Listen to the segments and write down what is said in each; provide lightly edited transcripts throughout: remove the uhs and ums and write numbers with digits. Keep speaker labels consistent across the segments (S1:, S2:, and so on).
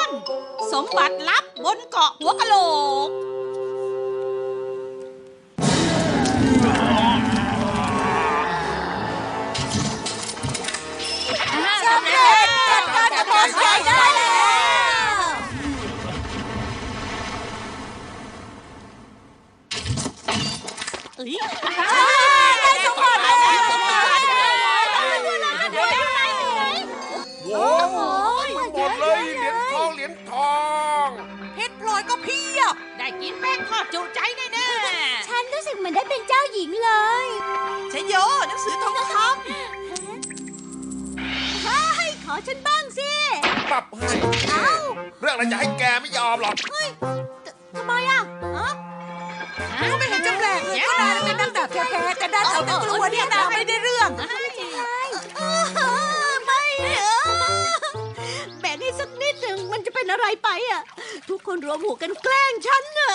S1: สมบัติลับบนเกาะหัวกะโหลก
S2: สำเร็จจัดการกับพอสได้แล้วได้สมบัติแล้ว
S3: โอ้โหหมดเลยเหรียญทอง
S2: เพชรพลอยก็เพียบ
S1: ได้กินแป้งทอดจุใจแน่ๆ
S4: ฉันรู้สึกเหมือนได้เป็นเจ้าหญิงเลย
S2: ชโยหนังสือทองค
S4: เฮ้ย ขอฉันบ้างสิ
S3: ปรับให้เรื่องอะไรจะให้แกไม่ยอมหรอก
S4: ทำไมอ่ะ
S2: ำก็ไม่เห็นจะแปลกเลยก็นายเป็นนักดาบแท้ๆแต่ด้านเอาแต่ตัวเนี่ยนะไม่ได้เรื่อง
S4: ไม่แบ่งให้สักนิดหนึ่งมันจะเป็นอะไรไปอ่ะ ทุกคนรวมหัวกันแกล้งฉันอ่ะ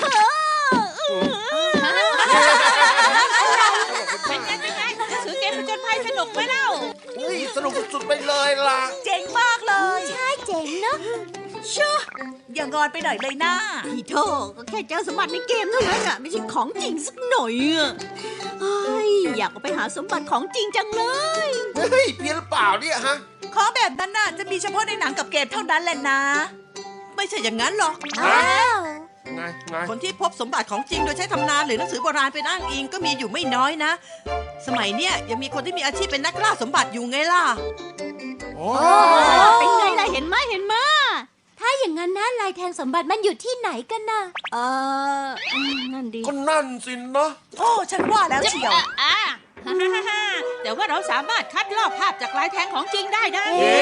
S1: เป็นไงหนังสือเกมผจญภัยสนุกไหมเล่า
S3: สนุกสุดๆไปเลยล่ะ
S2: เจ๋งมากเลย
S4: ใช่เจ๋งเนอะ
S2: ชั่วอย่างอนไปหน่อยเลยนะ
S4: พี่โธ่ก็แค่เจอสมบัติในเกมเท่านั้นอ่ะ ไม่ใช่ของจริงสักหน่อยอ่ะเฮ้ยอยากเอาไปหาสมบัติของจริงจังเลย
S3: เฮ้ยเพี้ยนหรือเปล่าเนี่ยฮะ
S2: ของแบบนั้นน่ะจะมีเฉพาะในหนังกับเกมเท่านั้นแหละนะ ไม่ใช่อย่างนั้นหรอก
S4: อ้าว
S3: ไง
S2: คนที่พบสมบัติของจริงโดยใช้ตำนานหรือหนังสือโบราณเป็นอ้างอิงก็มีอยู่ไม่น้อยนะ สมัยเนี้ยยังมีคนที่มีอาชีพเป็นนักล่าสมบัติอยู่ไงล่ะ
S3: โอ้
S4: เป็นไงล่ะเห็นไหมเห็นไหมถ้าอย่างนั้นนะลายแทงสมบัติมันอยู่ที่ไหนกันน่ะนั่นดี
S3: ก็นั่นสินะ
S2: โอ้ฉันว่าแล้วเชียว
S1: แต่ว่าเราสามารถคัดลอกภาพจากลายแทงของจริงได้นะ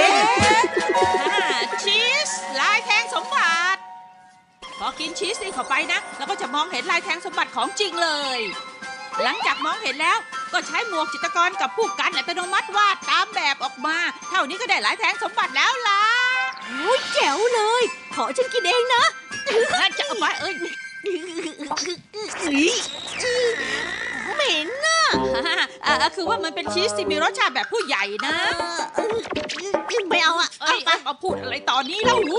S1: ชีสลายแทงสมบัติพอกินชีสนี่เข้าไปนะเราก็จะมองเห็นลายแทงสมบัติของจริงเลย หลังจากมองเห็นแล้วก็ใช้หมวกจิตรกรกับผู้กันอัตโนมัติวาดตามแบบออกมา เท่านี้ก็ได้ลายแทงสมบัติแล้วล่ะ
S4: โอ้ยแจ๋วเลย ขอฉันกินเองนะ
S1: งั้นจะเอาไป
S4: เหม็นน่ะ
S1: คือว่ามันเป็นชีสที่มีรสชาติแบบผู้ใหญ่นะ
S4: ไม่เอาอ่ะ
S1: เอาพูดอะไรตอนนี้แล้ว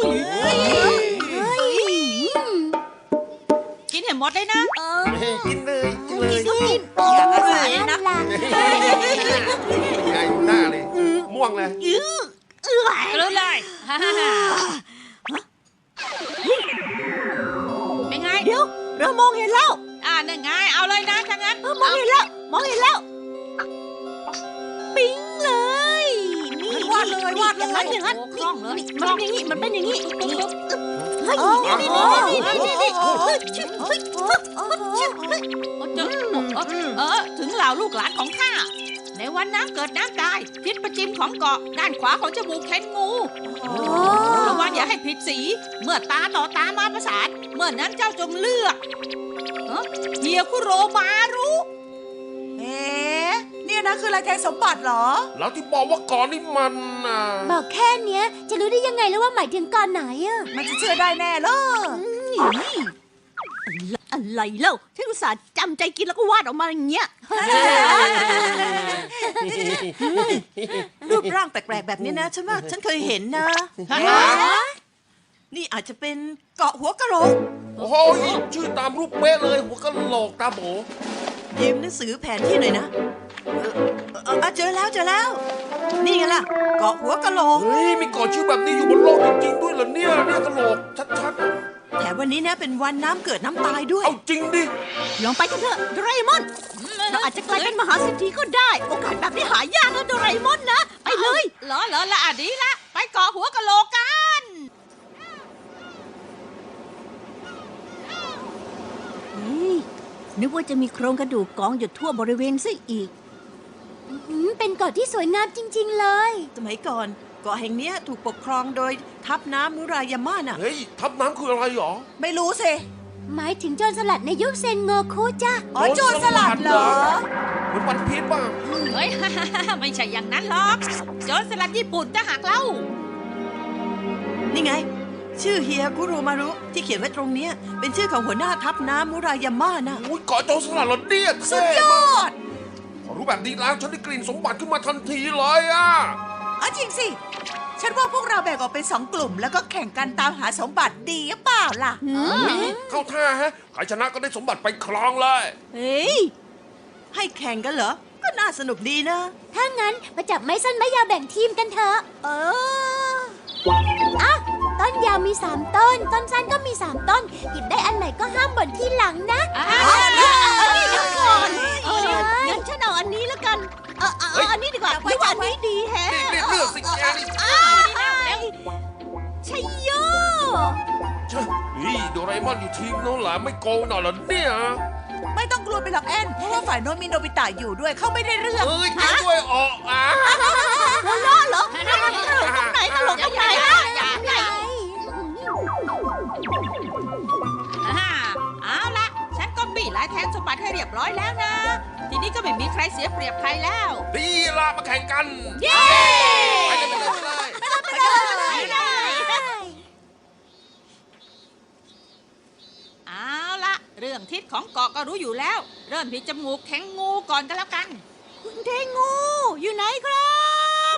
S1: กินให้หมดเลยนะ
S3: กินเลย
S4: กิน
S2: อยากอาศัยนะ
S3: ไงหน้าเลยม่วงเลย
S1: รู้เลยเป็นไง
S4: เดี๋ยวเรามองเห็นแล้ว
S1: นั่นไงเอาเลยนะถ้างั้น
S4: มองเห็นแล้ว มองเห็นแล้ว ปิ๊งเลย นี่
S2: วาดเลย
S4: อย่างนั้นอย่างนั้น
S1: คล่องเลย
S4: มันเป็นอย่างนี้ มันเป็นอย่างนี้เฮ้ยนี่
S1: ถึงเหล่าลูกหลานของข้าในวันน้ำเกิดน้ำตายทิศประจิมของเกาะด้านขวาของจมูกเข็นงูระวังอย่าให้ผิดสีเมื่อตาต่อตามาประสานเมื่อนั้นเจ้าจงเลือกเฮียคุโรมารุ
S2: เนี่ยนะคือลายแทงสมบัติเหรอ
S3: แล้วที่บอกว่าก่อนนี่มันน่ะ
S4: บอกแค่เนี้ยจะรู้ได้ยังไงแล้วว่าหมายถึงก่อนไหนอะ
S2: มันจะเชื่อได้แน่เลย
S4: อะไรเล่าฉันอุตส่าห์จำใจกินแล้วก็วาดออกมาอย่างเงี้ย
S2: รูปร่างแปลกๆแบบนี้นะฉันว่าฉันเคยเห็นนะ นี่อาจจะเป็นเกาะหัวกะโหลก
S3: โอ้โหชื่อตามรูปเป๊ะเลยหัวกะโหลกตาโบ
S2: ยืมหนังสือแผนที่หน่อยนะเจอแล้ว นี่ไงล่ะ เกาะหัวกะโหลก
S3: เฮ้ยมีเกาะชื่อแบบนี้อยู่บนโลกจริงๆด้วยเหรอเนี่ยกะโหลกชัด
S2: แถมวันนี้นะเป็นวันน้ำเกิดน้ำตายด้
S3: ๆ
S2: วย
S3: เอาจริงดิ
S4: ลองไปกันเถอะโดราเอมอน เราอาจจะกลายเป็นมหาเศรษฐีก็ได้ โอกาสแบบนี้หายากนะโดราเอมอนนะ ไปเลย
S1: เหรอละดีละไปเกาะหัวกะโหลกกัน
S4: นึกว่าจะมีโครงกระดูกกองอยู่ทั่วบริเวณซะอีกเป็นเกาะที่สวยงามจริง ๆ เลย
S2: สมัยก่อนเกาะแห่งเนี้ยถูกปกครองโดยทัพน้ำมุรายาม่าน่ะ
S3: เฮ้ยทับน้ำคืออะไรหรอ
S2: ไม่รู้สิ
S4: หมายถึงโจรสลัดในยุคเซนโงคุจ้ะ
S2: อ๋อโจรสลัดเหรอ
S3: เหมือนวันพีชป่ะ
S1: เฮ้ย ไม่ใช่อย่างนั้นหรอกโจรสลัดญี่ปุ่นจะหักเล่า
S2: นี่ไง ชื่อเฮียคุโรมารุที่เขียนไว้ตรงเนี้ยเป็นชื่อของหัวหน้าทัพน้ำมุรายาม่าน่ะ
S3: อุ้ยเกาะโจรสลัดเหรอเนี่ย
S2: สุดยอด
S3: พอรู้แบบนี้แล้วฉันได้กลิ่นสมบัติขึ้นมาทันทีเลยอ่ะ
S2: จริงสิ
S5: ฉันว่าพวกเราแบ่งออกเป็น2 กลุ่ม แล้วก็แข่งกันตามหาสมบัติดีหรือเปล่าล่ะ
S3: เข้าท่าฮะใครชนะก็ได้สมบัติไปครองเลย
S4: เฮ้ย
S2: ให้แข่งกันเหรอ ก็น่าสนุกดีนะ
S4: ถ้างั้นมาจับไม้สั้นไม้ยาวแบ่งทีมกันเถอะ อ่ะ ต้นยาวมี3 ต้น ต้นสั้นก็มี3 ต้น หยิบได้อันไหนก็ห้ามบ่นที่หลังนะ
S1: เดี๋ยวก่อน
S4: งั้นฉันเอาอันนี้แล้วกัน เอาอันนี้ดีกว่าไม่ว่าอันนี้ดีแฮะ
S3: นี่เลือกสิแกนี่
S4: ชัยโย
S3: เช่โดราเอมอนอยู่ทีมโน้นหลาไม่โกงหน่อยเหรอเนี่ย
S5: ไม่ต้องกลัวไปหรอกแอนเพราะว่าฝ่ายโน้นมีโนบิตะอยู่ด้วยเขาไม่ได้เรื่อง
S3: เอ้ยแกด้วยออกอ่ะ
S4: หัวเราะเหรอตลกตรงไหนตลกตรงไหนล่ะ
S1: เอาละฉันก็บี้ลายแทงสมบัติให้เรียบร้อยแล้วนะ ทีนี้ก็ไม่มีใครเสียเปรียบใครแล้ว
S3: ดีละมาแข่งกัน
S1: เย้
S3: ไปเลย
S1: เอาละเรื่องทิศของเกาะก็รู้อยู่แล้ว เริ่มที่จมูกแข็งงูก่อนก็แล้วกัน
S4: คุณเทงูอยู่ไหนครับ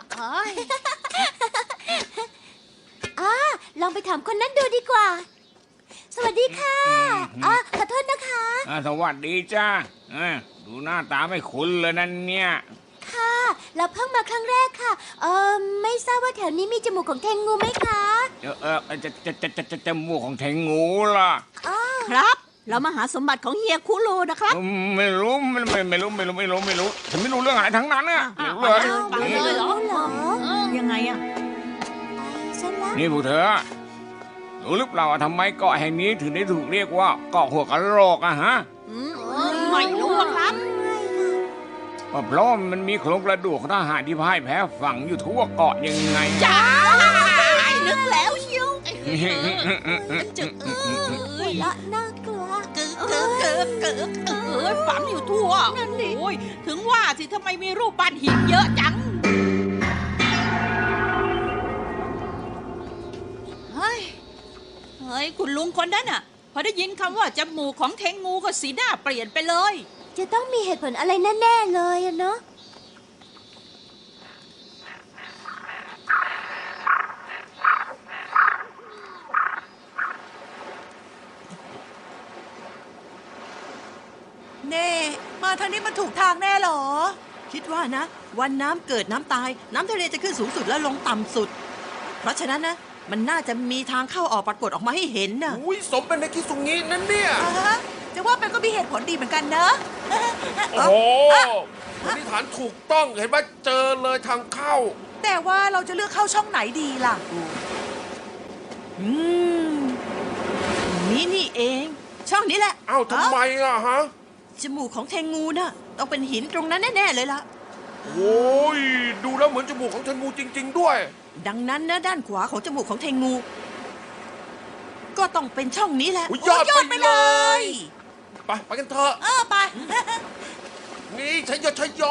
S4: ลองไปถามคนนั้นดูดีกว่า สวัสดีค่ะขอโทษนะคะ
S6: สวัสดีจ้าดูหน้าตาไม่คุ้นเลยนั่นเนี่ย
S4: ค่ะ เราเพิ่งมาครั้งแรกค่ะ ไม่ทราบว่าแถวนี้มีจมูกของเทงูไหมคะ
S6: จมูกของแทงงูล่ะ
S4: ครับ เรามาหาสมบัติของเฮียคุโรนะครับ
S6: ไม่รู้ไม่รู้ฉันไม่รู้เรื่องอะไรทั้งนั้นอะไม่รู้เลย
S1: ฟังเลยเหรอ
S4: ยังไงอะฉันละ
S6: นี่พวกเธอรู้หรือเปล่าว่าทำไมเกาะแห่งนี้ถึงได้ถูกเรียกว่าเกาะหัวกะโหลกอะฮะ
S1: ไม่รู้อะครับ
S6: เพราะมันมีโครงกระดูกของทหารที่พ่ายแพ้ฝังอยู่ทั่วเกาะยังไง
S1: จ้า
S4: นึกแล้วเชียว
S1: จึ๊กเอ้ย
S4: ละน่ากลัว
S1: เอ้ยฝังอยู่ทั่ว
S4: นั่นดิ
S1: โอ้ยถึงว่าสิทำไมมีรูปปั้นหินเยอะจัง เฮ้ย คุณลุงคนนั้นน่ะ พอได้ยินคำว่าจมูกของเทงงูก็สีหน้าเปลี่ยนไปเลย
S4: จะต้องมีเหตุผลอะไรแน่ๆเลยอะเนาะ
S5: เน่มาทางนี้มันถูกทางแน่เหรอ
S2: คิดว่านะ วันน้ำเกิดน้ำตาย น้ำทะเลจะขึ้นสูงสุดแล้วลงต่ำสุด เพราะฉะนั้นนะ มันน่าจะมีทางเข้าออกปรากฏออกมาให้เห็นนะ
S3: อุ้ยสมเป็นในคิสุงินั่นเนี่ย
S5: จะว่าไปก็มีเหตุผลดีเหมือนกันเนอะ
S3: โอ้โหสันนิษฐานถูกต้องเห็นว่าเจอเลยทางเข้า
S5: แต่ว่าเราจะเลือกเข้าช่องไหนดีล่ะ
S2: อืมนี่เอง ช่องนี้แหละ
S3: เอ้าทำไมอะฮะ
S2: จมูกของเทงูน่ะ ต้องเป็นหินตรงนั้นแน่ๆเลยล่ะ
S3: โอ้ยดูแล้วเหมือนจมูกของเทนงูจริง ๆ ด้วย
S2: ดังนั้นนะด้านขวาของจมูกของเทงู ก็ต้องเป็นช่องนี้แหละ
S3: อุ๊ยยอด
S5: โยอด
S3: ไป
S5: ไป
S3: เล
S5: เลย
S3: ไปกันเถอะ
S5: ไป
S3: นี่ชัยโย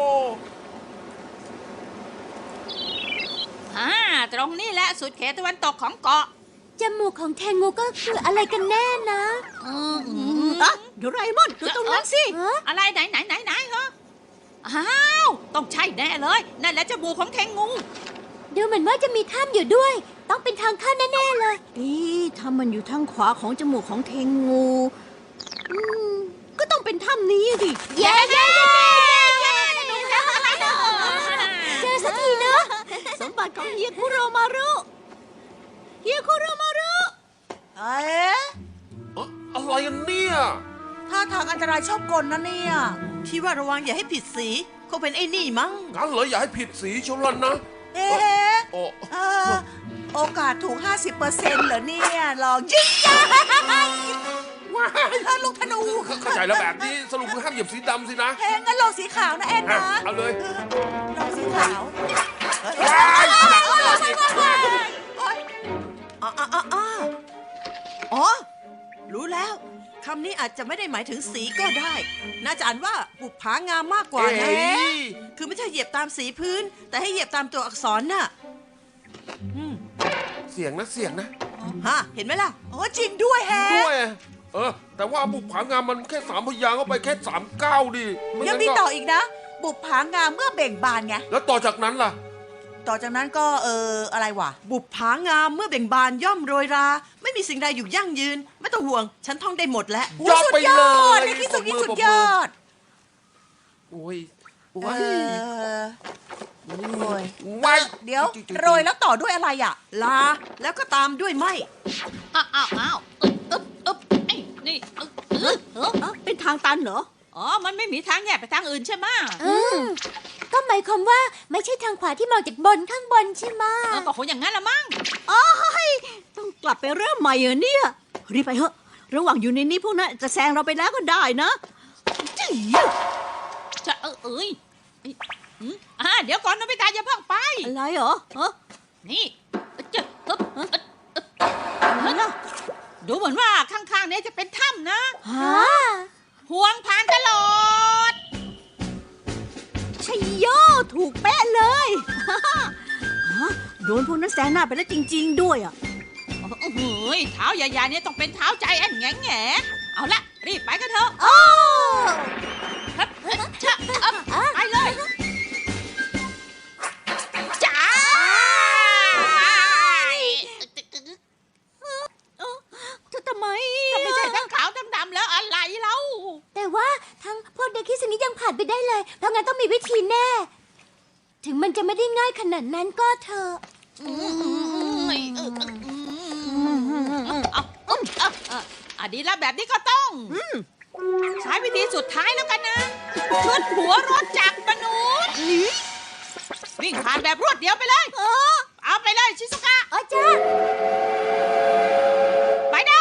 S1: ตรงนี้แหละสุดเขตตะวันตกของเกาะ
S4: จมูกของเทงูก็คืออะไรกันแน่นะโดราเอมอนดูตรงนั้นสิ
S1: อะไรไหนเหรออ้าวต้องใช่แน่เลยนั่นแหละจมูกของเทงงู
S4: ดูเหมือนว่าจะมีถ้ำอยู่ด้วย ต้องเป็นทางเข้าแน่ๆเลยถ้ามันอยู่ทางขวาของจมูกของเทงูก็ต้องเป็นถ้ำนี้สิเย้เจอสักทีเนอะสมบัติของเฮียคุโรมารุเอ๊ะ
S3: อะไรกันเนี่ย
S5: ท่าทางอันตรายชอบกลนะเนี่ย
S2: ที่ว่าระวังอย่าให้ผิดสีคงเป็นไอ้นี่มั้ง
S3: งั้นเหรออย่าให้ผิดสีชลันนะ
S5: เอ๊ะ
S3: โอ้
S5: โอกาสถูก 50%เหรอเนี่ยลองยิงยัยลูกธนู
S3: เข้าใจแล้วแบบนี้สรุปคือห้ามเหยียบสีดำสินะ
S5: แพงงั้นลองสีขาวนะแอนนะ
S3: เอาเลย
S5: ลองสีขาว
S3: ว้าย
S2: อ๋อ รู้แล้ว คำนี้อาจจะไม่ได้หมายถึงสีก็ได้ น่าจะอ่านว่าบุปผางามมากกว่านะ
S3: เอ้ย
S2: คือไม่ใช่เหยียบตามสีพื้น แต่ให้เหยียบตามตัวอักษรน่ะ
S3: เสียงนะ
S2: ฮะ เห็นไหมล่ะ
S5: โอ้จริงด้วยแฮะ
S3: ด้วยแต่ว่าบุกผางามมันแค่3 พยางค์เข้าไปแค่3 ก้าวดิไ
S5: ยังมีต่ออีกนะ บุปผางามเมื่อเบ่งบานไง
S3: แล้วต่อจากนั้นล่ะ
S5: ต่อจากนั้นก็อะไรวะ
S2: บุปผางามเมื่อเบ่งบานย่อมโรยรา ไม่มีสิ่งใดอยู่ยั่งยืน ไม่ต้องห่วง ฉันท่องได้หมดแล้ว
S3: ยอดไปเลย
S5: ในที่สุดนี่สุดยอด
S3: โอ้ยโอ้
S5: เอย โอ้ย
S3: ไม่
S5: เดี๋ยวโรยแล้วต่อด้วยอะไรอ่ะ
S2: ลาแล้วก็ตามด้วยไหม
S1: อ้าวไอ้นี่
S4: เป็นทางตันเหรอ
S1: อ๋อ มันไม่มีทางแยกไปทางอื่นใช่ไหม
S4: ก็หมายความว่าไม่ใช่ทางขวาที่มองจากบนข้างบนใช่ไหม
S1: ก็คงอย่างนั้นละมั้ง
S4: ต้องกลับไปเริ่มใหม่เหรอเนี่ยรีบไปเถอะระหว่างอยู่ในนี้พวกนั้นจะแซงเราไปแล้วก็ได้นะจี้
S1: จะเดี๋ยวก่อนโนบิตะอย่าเพิ่งไป
S4: อะไรเหรอฮะ
S1: นี่จะฮึบ
S4: อะไรนะ
S1: ดูเหมือนว่าข้างๆเนี้จะเป็นถ้ำนะ
S4: ฮะ
S1: ห่วงผ่านตลอด
S4: ชัยโยถูกเป๊ะเลยฮะโดนพวกนั้นแซงหน้าไปแล้วจริง ๆ ด้วยอ่ะ
S1: เฮ้ยเท้าใหญ่ๆเนี่ยต้องเป็นเท้าใจแอนแง่เอาละรีบไปกันเถอะ
S4: โอ้
S1: ครับไปเลยจ้า
S4: ทำไม
S1: ถ้าไม่ใช่ทั้งขาวทั้งดำแล้วอะไรเล่า
S4: แต่ว่าทั้งพวกเด็กคิดสนิทยังผ่านไปได้เลย เพราะงั้นต้องมีวิธีแน่ ถึงมันจะไม่ได้ง่ายขนาดนั้นก็เถอะ
S1: ดีแล้วแบบนี้ก็ต้องใช้วิธีสุดท้ายแล้วกันนะชุดหัวรถจักรมนุษย์วิ่งผ่านแบบรวดเดียวไปเลยเอาไปเลยชิซุกะ
S4: จ้า
S1: ไปได้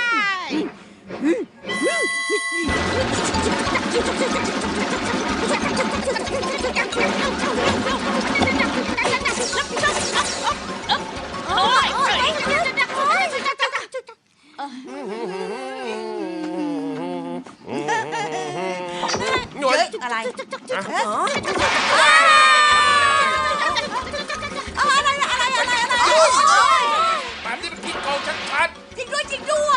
S3: หน่วย
S5: อะไร
S3: แบบนี้มันขี้โกงชัด
S5: จริงด้วยจริงด้วย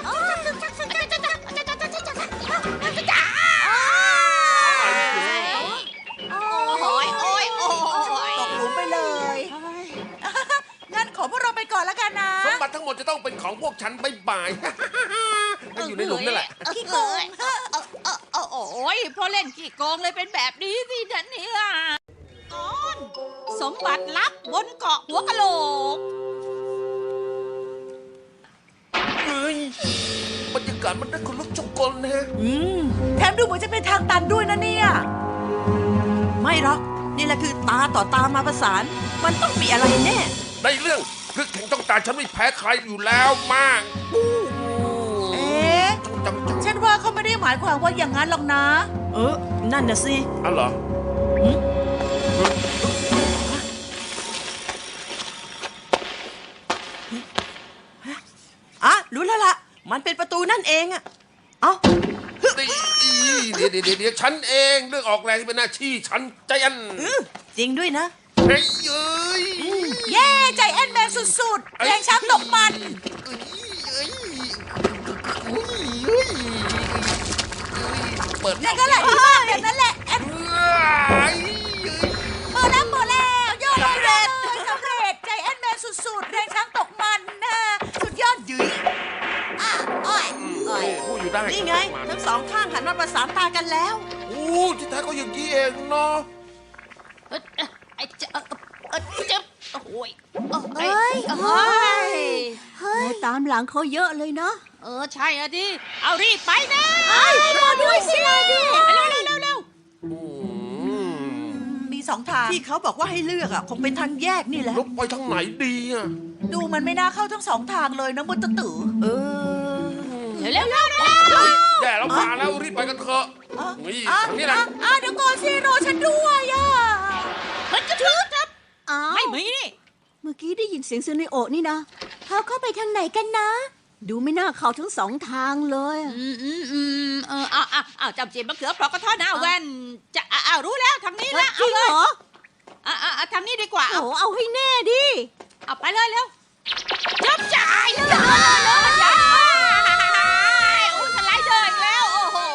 S5: ตกหลุมไปเลย งั้นขอพวกเราไปก่อนแล้วกันนะ
S3: ๆสมบัติทั้งหมดจะต้องเป็นของพวกฉันบ่ายๆก็อยู่ในหลุมนั่นแหละ
S5: ขี้โกง
S1: โอ้ยพอเล่นขี้โกงเลยเป็นแบบนี้สิท่านเนี่ยตอนสมบัติลับบนเกาะหัวกะโหลก
S3: เฮ้ยบรรยากาศมันได้คนลุกชกกลนะ
S5: แถมดูเหมือนจะเป็นทางตันด้วยนะเนี่ย
S2: ไม่หรอกนี่แหละคือตาต่อตามาประสาน มันต้องมีอะไรแน่
S3: ในเรื่องคือแข่งต้องตาฉันไม่แพ้ใครอยู่แล้วมาก
S5: เอ๊ะ
S3: จัง
S5: ฉันว่าเขาไม่ได้หมายความว่าอย่างนั้นหรอกนะ
S2: นั่นน่ะสิ
S3: อ๋อเหรอ
S2: รู้แล้วล่ะ มันเป็นประตูนั่นเองอะเอ้า
S3: เดี๋ยวฉันเองเรื่องออกแรงเป็นหน้าที่ฉันใจอัน
S2: จริงด้วยนะ
S3: เฮ้ยเอ้ย
S5: เย้ใจแอนแมนสุดๆแรงช้างตกมัน
S3: เปิด
S5: นั่นก็แหละที่บ้านแบบนั้นแหละแอน
S3: เอ้ย
S5: เปิดแล้วยอดเลยสำเร็จใจแอนแมนสุดๆแรงช้างตกมันนะสุดยอดยืยอ้อย
S3: พูดอยู่ได้
S2: นี่ไง ทั้งสองข้างหันมาประสานตากันแล้ว
S3: โอ้ที่แท้ก็อย่างนี้เองเนาะ
S1: เจ็บโอ้ย
S4: เอ้ย
S1: เฮ้ย
S4: เฮ้ยตามหลังเขาเยอะเลยเนาะ
S1: ใช่อะดิ เอารีบไปนะ
S4: รอด้วยสิรอด้วย
S1: เร็ว
S5: มีสองทาง
S2: ที่เขาบอกว่าให้เลือกอะคงเป็นทางแยกนี่แหละ
S3: ลุกไปทางไหนดีอ่ะ
S5: ดูมันไม่น่าเข้าทั้งสองทางเลยนะมุตตะ
S2: เออ
S1: เร็ว
S3: แย่แล้วมาแล้วรีบไปกันเถอะนี่ทางนี้แหละ
S5: เดี๋ยวก่อนสิรอฉันด้วยอ่ะ
S1: เฮ้ยจะถือครับ
S4: อ้าว
S1: ไม่มีนี่
S4: เมื่อกี้ได้ยินเสียงซูเนโอะนี่นะเขาเข้าไปทางไหนกันนะ ดูไม่น่าเข้าทั้งสองทางเลยอะ
S1: จำจีบมะเขือเปราะกระท้อนหน้าแว่นจะรู้แล้วทางนี้ละ
S4: จริงเหรอ
S1: ทางนี้ดีกว่า
S4: โอ้เอาให้แน่ดิ
S1: เอาไปเลยเร็วจับจ่ายเลยสไลเดอร์อีกแล้วโอ้โห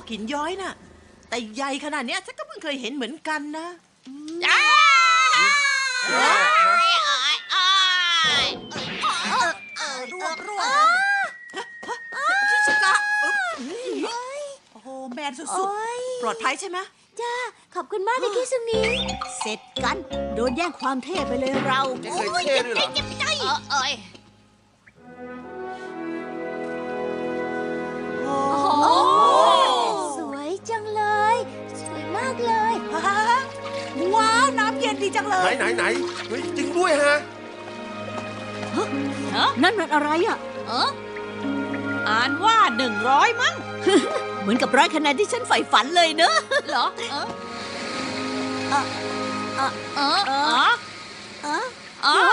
S2: หินย้อยน่ะ แต่ใหญ่ขนาดเนี้ยฉันก็เพิ่งเคยเห็นเหมือนกันนะ
S1: จ้า
S5: ร่วงชิสกะอึ๊บโอ้โหแมนสุด
S4: โอ้ย
S2: ปลอดภัยใช่ไหม
S4: จ้า ขอบคุณมากเลยคิสุนีเสร็จกัน โดนแย่งความเท่ไปเลยเรา
S3: ไม่เคยเท่ด้วยเหรอ
S1: เอ้ย
S2: โอ้
S4: โอ้สวยจังเลย สวยมากเลย
S5: ๆฮ่าว้าว น้ำเย็นดีจังเล
S3: ไหน
S5: ย
S3: ไหนไหนเฮ้ยจริงด้วยฮะ
S4: นั่นมันอะไรอ่ะ
S1: อ่านว่า100มั้ง
S4: เหมือนกับ100 คะแนนที่ฉันใฝ่ฝันเลยเนอะ
S1: เหรอ
S4: เออเออ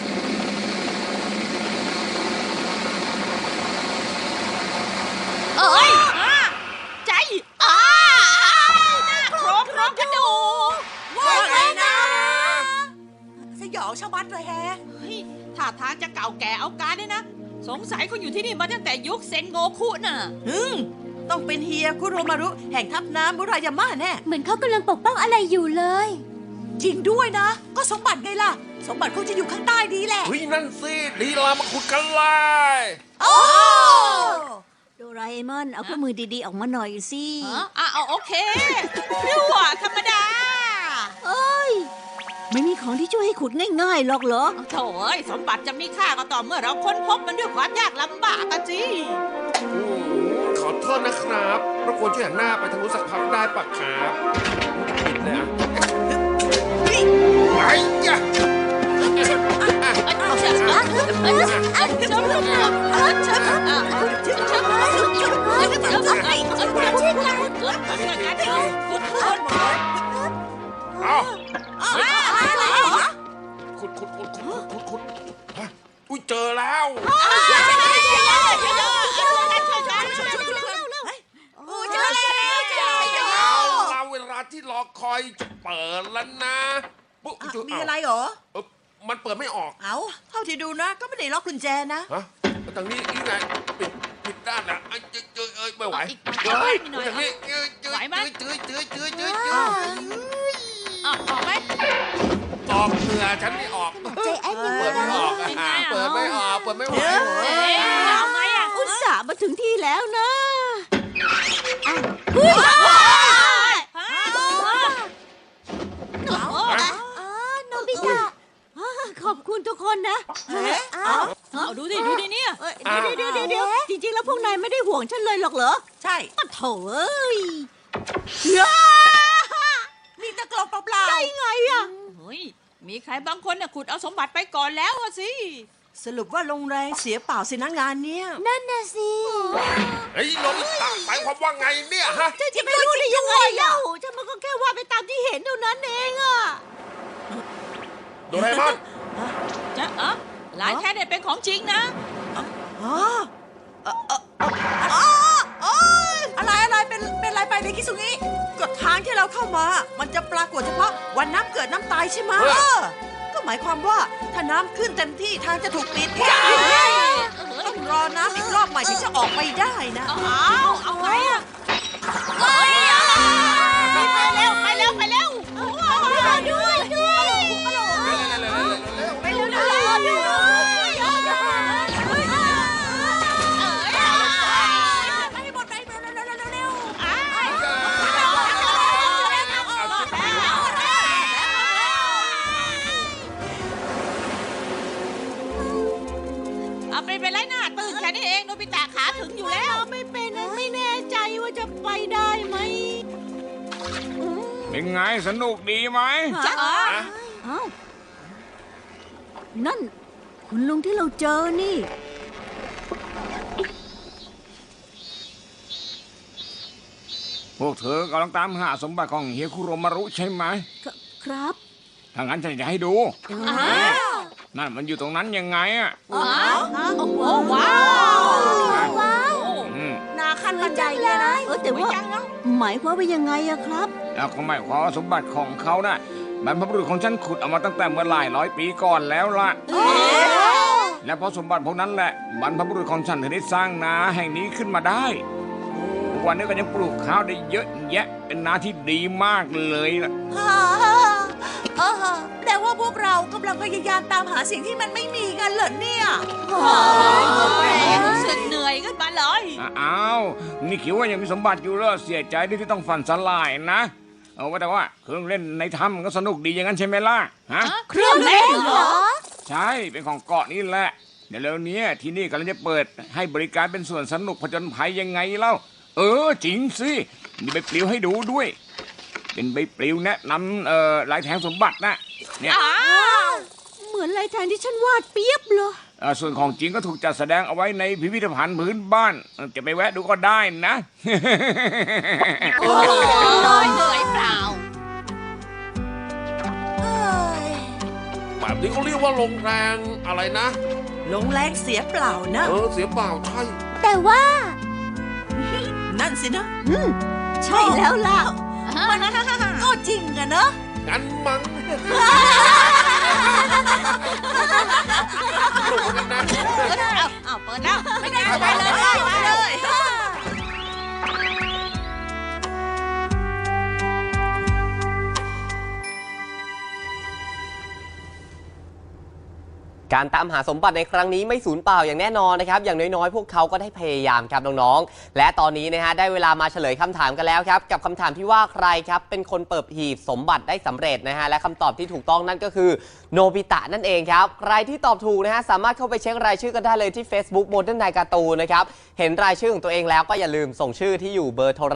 S1: เอ้ยใจหน้าโครงกระดูก
S5: ว่าไงนะสยองชะมัดเลยแฮะ
S1: เฮ้ยท่าทางจะเก่าแก่เอาการเนี่ยนะ สงสัยเขาอยู่ที่นี่มาตั้งแต่ยุคเซนโงคุน่ะ
S2: ต้องเป็นเฮียคุโรมารุแห่งทัพน้ำมุรายาม่าแน่
S4: เหมือนเขากำลังปกป้องอะไรอยู่เลย
S5: จริงด้วยนะ ก็สมบัติไงล่ะ สมบัติคงจะอยู่ข้างใต้นี้แหละ
S3: เฮ้ยนั่นสิดีลามาขุดกันเลย
S5: โอ้
S4: โดราเอมอน เอาเครื่องมือดีๆ ออกมาหน่อยสิ
S1: เอาโอเครั่วธรรมดา
S4: เอ้ย ไม่มีของที่ช่วยให้ขุดง่ายๆหรอกเหรอ
S1: โถ่เอ้ยสมบัติจะมีค่าก็ต่อเมื่อเราค้นพบมันด้วยความยากลำบากกันสิ
S3: ขอโทษนะครับรบกวนช่วยหันหน้าไปทางนู้นสักพักได้ปะครับปิดเลยอ่ะไอ้ยะ เอาขุดฮะอุ้ยเจอแล้ว
S5: โอ้เจอแล้ว
S3: เอาเราเวลาที่รอคอยจะเปิดแล้วนะปุ๊บ
S2: มีอะไรเหรอ
S3: มันเปิดไม่ออก
S2: เอาเท่าที่ดูนะ ก็ไม่ได้ล็อกกุญแจนะ
S3: ฮะทางนี้อีกไงปิดด้านนะเจอไม่ไหว
S1: อีกหน่อย
S3: เฮ้ย
S1: อีกหน่อย
S3: ทางนี้เจอ
S1: ไหวไหม
S3: เจอ
S1: ออกไหม
S3: ออกเหงื่อฉันไม่ออก
S4: ใจแอนยัง
S3: เปิดไม่ออกอะ
S1: เป็นไงอะ
S3: เปิดไม่ออกเปิดไม่ไหว
S1: เอาไงอ่ะ
S4: อุตส่าห์มาถึงที่แล้วนะ โนบิตะขอบคุณทุกคนนะ
S1: เอาดูดิเนี่ย
S4: เดี๋ยวจริงๆ แล้วพวกนายไม่ได้ห่วงฉันเลยหรอกเหรอ
S2: ใช่
S4: ปะโถเอ้ย
S5: มีตะกรองเปล่า
S4: ใช่ไงอะ
S1: เฮ้ยมีใครบางคนน่ะขุดเอาสมบัติไปก่อนแล้วอะสิ
S2: สรุปว่าลงแรงเสียเปล่าสินะงานเนี้ย
S4: นั่นน่ะสิ
S3: เฮ้ยลงตักหมายความว่าไงเนี่ยฮะ
S4: ฉันจะไม่รู้ได้ยังไงเล่าฉันมันก็แค่ว่าไปตามที่เห็นเท่านั้นเองอะ
S3: โดเรมอน
S1: จะหลายแค่เนี่ยเป็นของจริงนะ
S2: อ๋อ
S5: ๆอะไรเป็นอะไรไปในคิสุงิ
S2: ก็ทางที่เราเข้ามา มันจะปรากฏเฉพาะวันน้ำเกิดน้ำตายใช่ไหมก็หมายความว่าถ้าน้ำขึ้นเต็มที่ทางจะถูกปิดต้องรอน้ำอีกรอบใหม่ถึงจะออกไปได้นะ
S1: เอาไงอ่ะไปเร็วด้วยไปเร็ว
S5: ไปหมดไปเร็ว
S1: เอาไปไล่หน้าตื่นแค่นี้เองโนบิตะขาถึงอยู่แล้ว
S4: ไม่เป็นไม่แน่ใจว่าจะไปได้ไหม
S6: เป็นไงสนุกดีไหม
S1: จะ
S4: เอ้านั่น คุณลุงที่เราเจอนี่
S6: พวกเธอกำลังตามหาสมบัติของเฮียคุโรมารุใช่ไหม
S4: ครับ
S6: ถ้างั้นฉันจะให้ดู นั่นมันอยู่ตรงนั้นยังไงอ่ะ
S1: โอ้ว้าว
S4: ว้าว
S6: อืม
S5: นาคันบันไดเลยนะ
S4: แต่ว่าหมายความว่ายังไงอะครับ
S6: แล้วก็หมายความว่าสมบัติของเขาน่ะบรรพบุรุษของฉันขุดเอามาตั้งแต่เมื่อหลายร้อยปีก่อนแล้วล่ะ และเพราะสมบัติพวกนั้นแหละบรรพบุรุษของฉันถึงได้สร้างนาแห่งนี้ขึ้นมาได้กว่านี้ก็ยังปลูกข้าวได้เยอะแยะเป็นนาที่ดีมากเลยล่ะ
S5: แปลว่าพวกเรากำลังพยายามตามหาสิ่งที่มันไม่มีกันเหรอเนี่ย
S1: รู้สึกเหนื่อยขึ้นมาเลย
S6: อ้าวนี่คิดว่ายังมีสมบัติอยู่เหรอเสียใจที่ต้องฝันสลายนะเอาว่าแต่ว่าเครื่องเล่นในถ้ำก็สนุกดีอย่างนั้นใช่ไหมล่ะฮะ
S1: เครื่องเล่นเหรอ
S6: ใช่เป็นของเกาะนี่แหละเดี๋ยวแล้วเนี้ยที่นี่กำลังจะเปิดให้บริการเป็นสวนสนุกผจญภัยยังไงเล่าจริงสิมีใบปลิวให้ดูด้วย เป็นใบปลิวแนะนำลายแทงสมบัตินะเนี่ย
S4: เหมือนลายแทงที่ฉันวาดเปียบเลย
S6: ส่วนของจริงก็ถูกจัดแสดงเอาไว้ในพิพิธภัณฑ์พื้นบ้านจะไปแวะดูก็ได้นะ
S1: เหนื่อยเปล่า
S3: แบบนี้เขาเรียกว่าลงแรงอะไรนะ
S2: ลงแรงเสียเปล่านะ
S3: เสียเปล่าใช่
S4: แต่ว่า
S2: นั่นสินะ
S4: ใช่แล้วล่ะ
S5: ก็จริงอะเนอะ
S3: งั้นมั้งสนุกเหมือนกันนะ
S1: เอาเปิดแล้ว
S5: ไม่ได้ไปเลยไปเลย
S7: การตามหาสมบัติในครั้งนี้ไม่สูญเปล่าอย่างแน่นอนนะครับอย่างน้อยๆพวกเขาก็ได้พยายามครับน้องๆและตอนนี้นะฮะได้เวลามาเฉลยคำถามกันแล้วครับกับคำถามที่ว่าใครครับเป็นคนเปิดหีบสมบัติได้สำเร็จนะฮะและคำตอบที่ถูกต้องนั่นก็คือโนบิตะนั่นเองครับใครที่ตอบถูกนะฮะสามารถเข้าไปเช็ครายชื่อกันได้เลยที่ Facebook Modern Night Cartoon นะครับเห็นรายชื่อของตัวเองแล้วก็อย่าลืมส่งชื่อที่อยู่เบอร์โทร